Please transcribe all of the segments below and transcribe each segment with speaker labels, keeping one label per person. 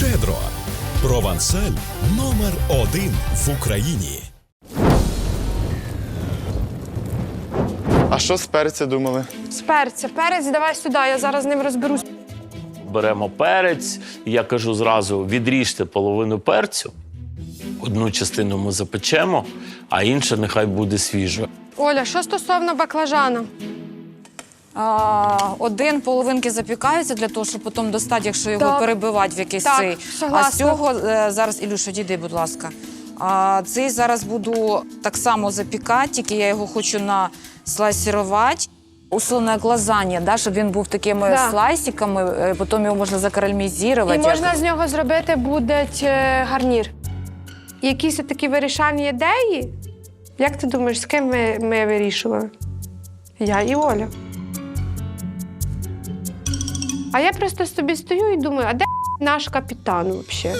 Speaker 1: Щедро. Провансаль номер 1 в Україні.
Speaker 2: А що з перця думали?
Speaker 3: З перця. Перець давай сюди, я зараз з ним розберусь.
Speaker 4: Беремо перець, я кажу зразу, відріжте половину перцю. Одну частину ми запечемо, а інша нехай буде свіжа.
Speaker 3: Оля, що стосовно баклажана?
Speaker 5: Один половинки запікаються для того, щоб потім достати, якщо його
Speaker 3: Так.
Speaker 5: перебивати в якийсь
Speaker 3: Так,
Speaker 5: цей.
Speaker 3: согласна.
Speaker 5: А з цього зараз, Ілюша, дійди, будь ласка. Цей зараз буду так само запікати, тільки я його хочу наслайсірувати. Условне лазанья, да, щоб він був такими
Speaker 3: Да.
Speaker 5: слайсиками, потім його можна закарамелізувати.
Speaker 3: І можна з нього зробити буде гарнір. Якісь такі вирішальні ідеї? Як ти думаєш, з ким ми вирішували? Я і Оля. А я просто собі стою і думаю, а де наш капітан взагалі?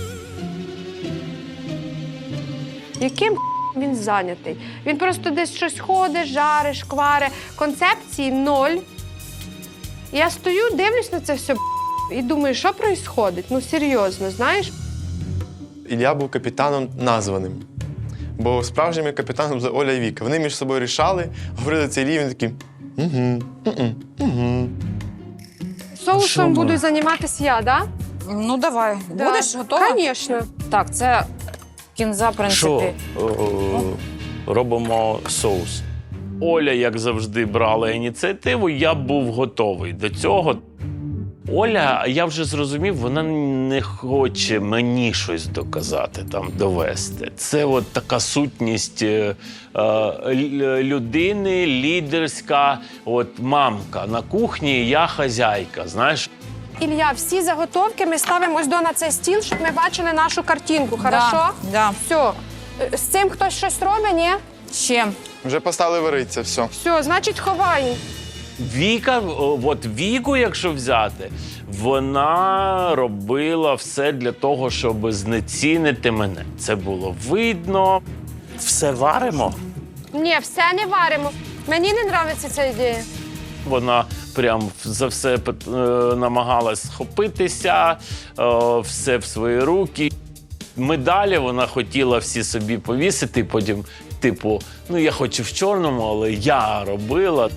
Speaker 3: Яким він зайнятий? Він просто десь щось ходить, жарить, шквари. Концепції ноль. І я стою, дивлюсь на це все і думаю, що відбувається? Ну, серйозно, знаєш?
Speaker 2: Ілля був капітаном названим. Бо справжніми капітаном були Оля і Віка. Вони між собою рішали, говорили цей рівень такий.
Speaker 3: Соусом буду займатися я, так? Да?
Speaker 5: Ну, давай. Будеш готова?
Speaker 3: Звісно.
Speaker 5: Так, це кінза, в принципі.
Speaker 4: Що робимо соус? Оля, як завжди, брала ініціативу, я був готовий до цього. Оля, я вже зрозумів, вона не хоче мені щось доказати, там, довести. Це от така сутність людини, лідерська, от мамка на кухні, я хазяйка, знаєш.
Speaker 3: Ілля, всі заготовки ми ставимо ось на цей стіл, щоб ми бачили нашу картинку, хорошо?
Speaker 5: Да.
Speaker 3: Все. З цим хтось щось робить, ні?
Speaker 5: Ще.
Speaker 2: Вже поставили варитися, все.
Speaker 3: Все, значить, ховаємо.
Speaker 4: Віка, от Віку, якщо взяти, вона робила все для того, щоб знецінити мене. Це було видно. Все варимо.
Speaker 3: Ні, все не варимо. Мені не подобається ця ідея.
Speaker 4: Вона прям за все намагалась схопитися, все в свої руки. Медалі вона хотіла всі собі повісити, потім, типу, ну я хочу в чорному, але я робила.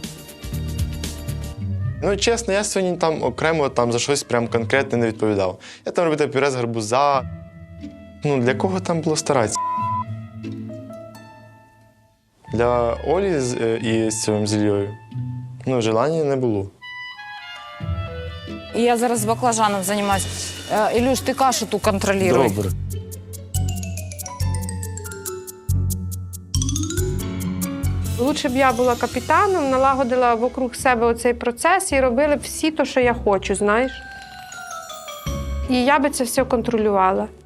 Speaker 2: Ну, чесно, я сьогодні там окремо за щось прям конкретне не відповідав. Я там робив пюре з гарбуза. Ну, для кого там було старатися? Для Олі і з цим з Іллею, ну, желання не було.
Speaker 5: І я зараз з баклажаном займаюся. Ілюш, ти кашу ту контролюй.
Speaker 4: Добре.
Speaker 3: Лучше б я була капітаном, налагодила вокруг себе оцей процес і робили всі те, що я хочу, знаєш. І я би це все контролювала.